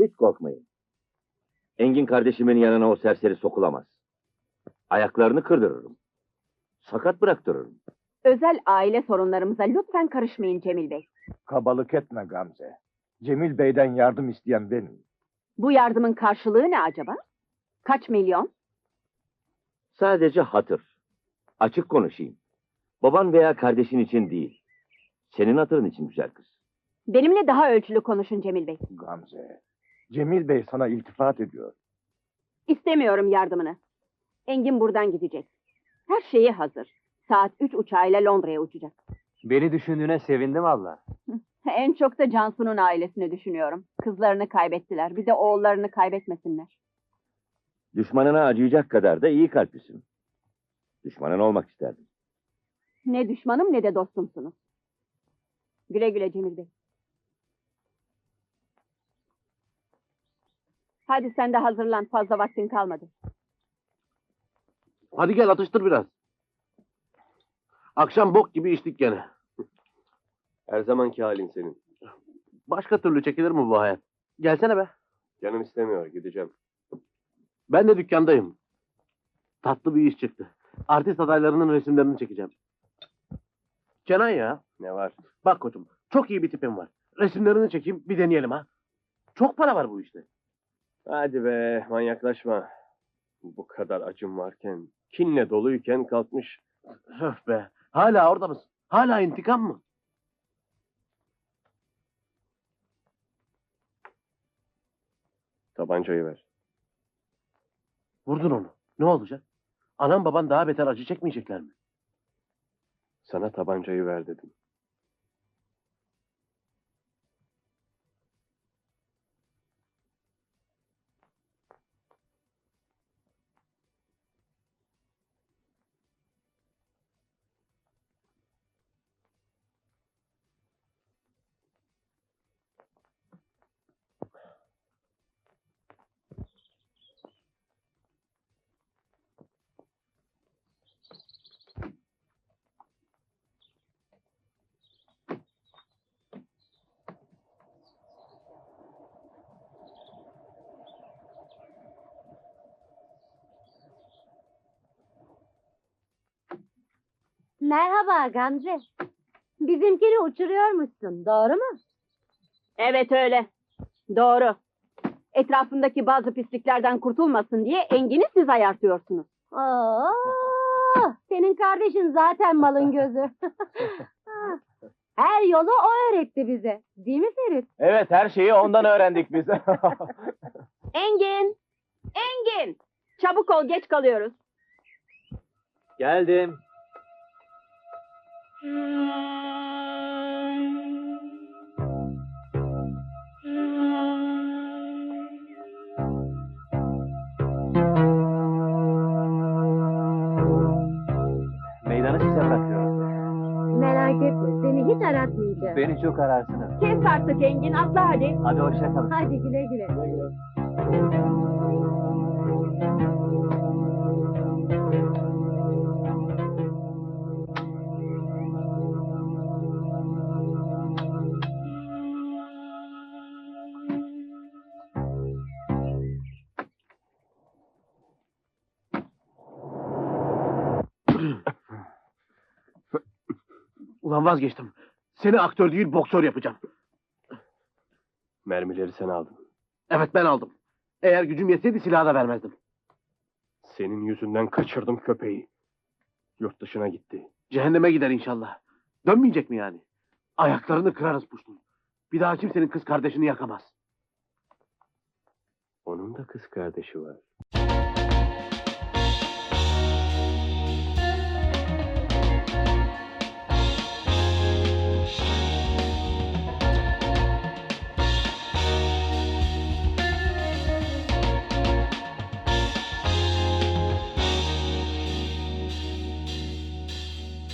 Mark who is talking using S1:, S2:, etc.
S1: Hiç korkmayın. Engin kardeşimin yanına o serseri sokulamaz. Ayaklarını kırdırırım. Sakat bıraktırırım.
S2: Özel aile sorunlarımıza lütfen karışmayın Cemil Bey.
S3: Kabalık etme Gamze. Cemil Bey'den yardım isteyen benim.
S2: Bu yardımın karşılığı ne acaba? Kaç milyon?
S1: Sadece hatır. Açık konuşayım. Baban veya kardeşin için değil. Senin hatırın için güzel kız.
S2: Benimle daha ölçülü konuşun Cemil Bey.
S3: Gamze, Cemil Bey sana iltifat ediyor.
S2: İstemiyorum yardımını. Engin buradan gidecek. Her şeyi hazır. Saat 3 uçağıyla Londra'ya uçacak.
S4: Beni düşündüğüne sevindim valla.
S2: En çok da Cansu'nun ailesini düşünüyorum. Kızlarını kaybettiler. Bir de oğullarını kaybetmesinler.
S1: Düşmanına acıyacak kadar da iyi kalplisin. Düşmanın olmak isterdim.
S2: Ne düşmanım ne de dostumsunuz. Güle güle Cemil Bey. Hadi sen de hazırlan. Fazla vaktin kalmadı.
S5: Hadi gel atıştır biraz. Akşam bok gibi içtik gene.
S6: Her zamanki halin senin.
S5: Başka türlü çekilir mi bu hayat? Gelsene be.
S6: Canım istemiyor, gideceğim.
S5: Ben de dükkandayım. Tatlı bir iş çıktı. Artist adaylarının resimlerini çekeceğim. Kenan ya.
S6: Ne var?
S5: Bak koçum, çok iyi bir tipim var. Resimlerini çekeyim, bir deneyelim ha. Çok para var bu işte.
S6: Hadi be, manyaklaşma. Bu kadar acım varken, kinle doluyken kalkmış.
S5: Öf be. Hala orada mısın? Hala intikam mı?
S6: Tabancayı ver.
S5: Vurdun onu. Ne olacak? Anam baban daha beter acı çekmeyecekler mi?
S6: Sana tabancayı ver dedim.
S7: Merhaba Gamze. Bizimkini uçuruyormuşsun, doğru mu?
S2: Evet öyle. Doğru. Etrafındaki bazı pisliklerden kurtulmasın diye Engin'i siz ayartıyorsunuz.
S7: Oo, senin kardeşin zaten malın gözü. Her yolu o öğretti bize. Değil mi Ferit?
S4: Evet, her şeyi ondan öğrendik biz.
S2: Engin! Engin! Çabuk ol, geç kalıyoruz.
S4: Geldim. Meydanı size bırakıyorum.
S7: Merak etme, seni hiç aratmayacağım.
S4: Beni çok ararsınız.
S2: Kes artık Engin, atla hadi.
S4: Hadi hoşça kalın.
S7: Hadi güle güle.
S5: Ulan vazgeçtim. Seni aktör değil boksör yapacağım.
S6: Mermileri sen aldın.
S5: Evet ben aldım. Eğer gücüm yetseydi silahı da vermezdim.
S6: Senin yüzünden kaçırdım köpeği. Yurt dışına gitti.
S5: Cehenneme gider inşallah. Dönmeyecek mi yani? Ayaklarını kırarız puştun. Bir daha kimsenin kız kardeşini yakamaz.
S6: Onun da kız kardeşi var.